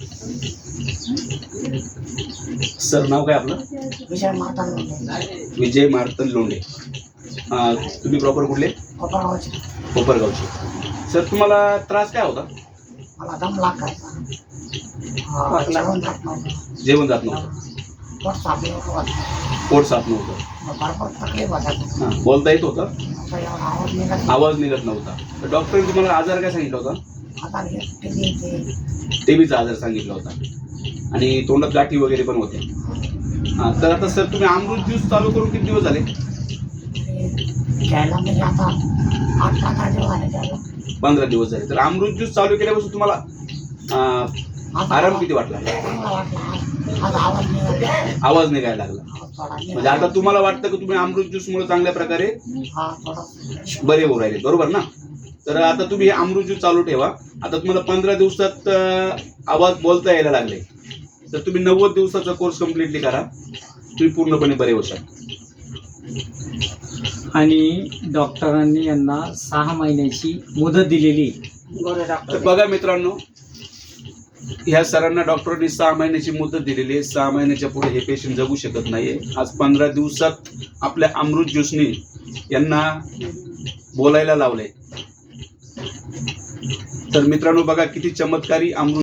Sir नाव काय आपलं? विजय मार्तन लोंढे. विजय मार्तन लोंढे. तुम्ही प्रॉपर कुठले? कोपरगावचे. कोपरगावचे. सर तुम्हाला त्रास काय होता? मला दम लागायचा. जेवण जात नव्हतं. जेवण जात नव्हतं. पोट साफ नव्हतं. पोट साफ नव्हतं. भरपूर तकलीफ होता. बोलता येत होतं? एवढा आवाज निघत आवाज निघत नव्हता. तर डॉक्टरने तुम्हाला आजार काय सांगितला होता? आता टीबीचा आजार सांगितला होता आणि तोंडात गाठी वगैरे पण होत्या. तर आता सर तुम्ही अमृत ज्यूस चालू करून किती दिवस झाले? घ्यायला म्हणजे आता 8-15 दिवस झाले त्याला. 15 दिवस झाले. तर अमृत ज्यूस चालू केल्यापासून तुम्हाला आराम किती वाटला? चांगला वाटला. आज आवाज निघत. आवाज निघायला लागला. थोडा म्हणजे आता तुम्हाला वाटतं की तुम्ही अमृत ज्यूस मुळे चांगल्या प्रकारे थोडा बरे होऊ राहिले, बरोबर ना? तर आता तुम्ही हे अमृत ज्यूस चालू ठेवा. आता तुम्हाला 15 दिवसात आवाज बोलता यायला लागले, तर तुम्ही 90 दिवसाचा कोर्स कम्प्लिटली करा. तुम्ही पूर्णपणे बरे होऊ शकता. आणि डॉक्टरांनी यांना 6 महिन्याची मुदत दिलेली. तर बघा मित्रांनो, ह्या सरांना डॉक्टरांनी 6 महिन्याची मुदत दिलेली आहे. 6 महिन्याच्या पुढे हे पेशंट जगू शकत नाहीये. आज 15 दिवसात आपल्या अमृत ज्यूसने यांना बोलायला लावलंय. तर मित्रांनो बघा किती चमत्कारी अमृत